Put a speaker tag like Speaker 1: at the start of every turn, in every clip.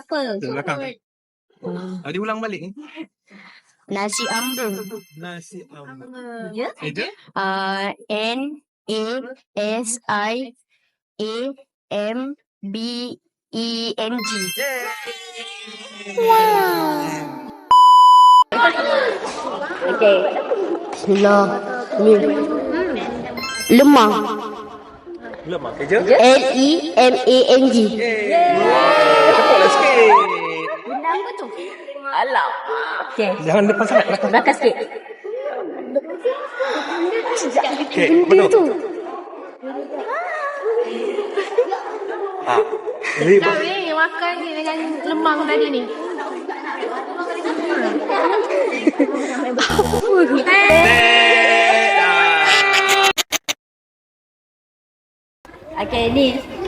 Speaker 1: apa?
Speaker 2: Di belakang. Dia ulang balik ni.
Speaker 1: Nasi ambung.
Speaker 2: Nasi ambung.
Speaker 1: Ya?
Speaker 2: Eja?
Speaker 1: N-A-S-I-A-M-B-E-N-G. Okay. Bismillah. Lemang.
Speaker 2: Lemang. Eja?
Speaker 1: L-E-M-A-N-G.
Speaker 2: Cepatlah sikit.
Speaker 1: Nama tu? Alah. Okay.
Speaker 2: Jangan depan sangat.
Speaker 1: Belakang sikit.
Speaker 2: Okay, betul. Jadi,
Speaker 3: Kau ni makan ni dengan lemang tadi ni.
Speaker 1: Okay, ni.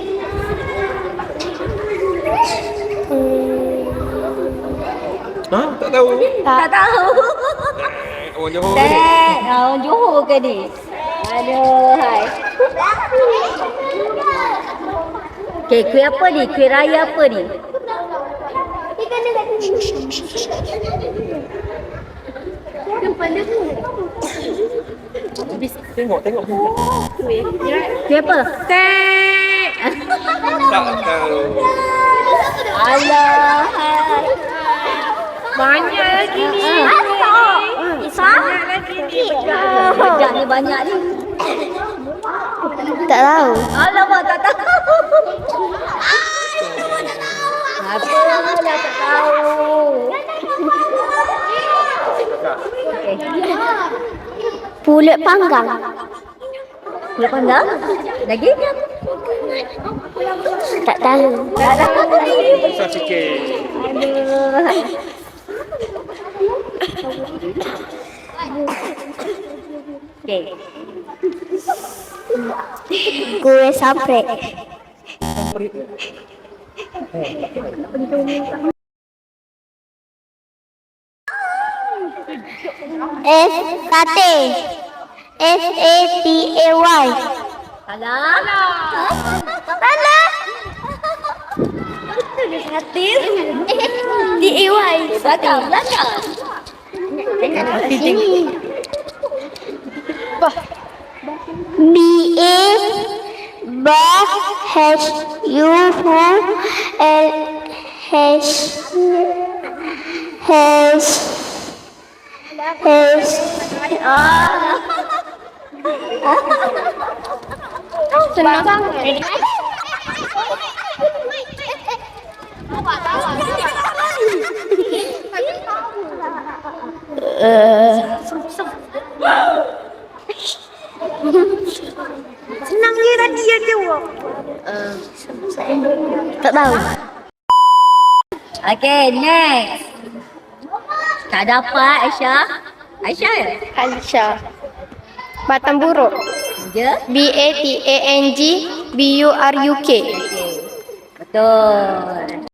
Speaker 2: tak tahu.
Speaker 1: Tak tahu.
Speaker 2: Orang Johor.
Speaker 1: Orang Johor ke ni? Aduh, hai. Okay, kuih apa ni? Kuih raya apa ni?
Speaker 2: Tengok.
Speaker 1: Kuih apa?
Speaker 3: Tek.
Speaker 2: Tak tahu.
Speaker 1: Alah, hai.
Speaker 3: Banyak lagi ni.
Speaker 1: Banyak
Speaker 3: lagi ni.
Speaker 1: Bejak ni banyak ni. Tak tahu. Alamak, tak tahu. Apa dah tak tahu. Okay. Pulut panggang. Pulut panggang? Lagi? Tak tahu. Tak tahu.
Speaker 2: Susah sikit.
Speaker 1: Aduh. Okay. Kuih saprek. Sate. S-A-T-A-Y. Salah. Salah. Sate. T-A-Y. Belakang. Sini. B-A
Speaker 3: Senang sangat. Senang dia tadi yang jawab.
Speaker 1: Tak tahu. Okay, next. Tak dapat Aisyah. Aisyah ya?
Speaker 3: Alisha. Batang buruk.
Speaker 1: Je?
Speaker 3: B-A-T-A-N-G B-U-R-U-K.
Speaker 1: Betul.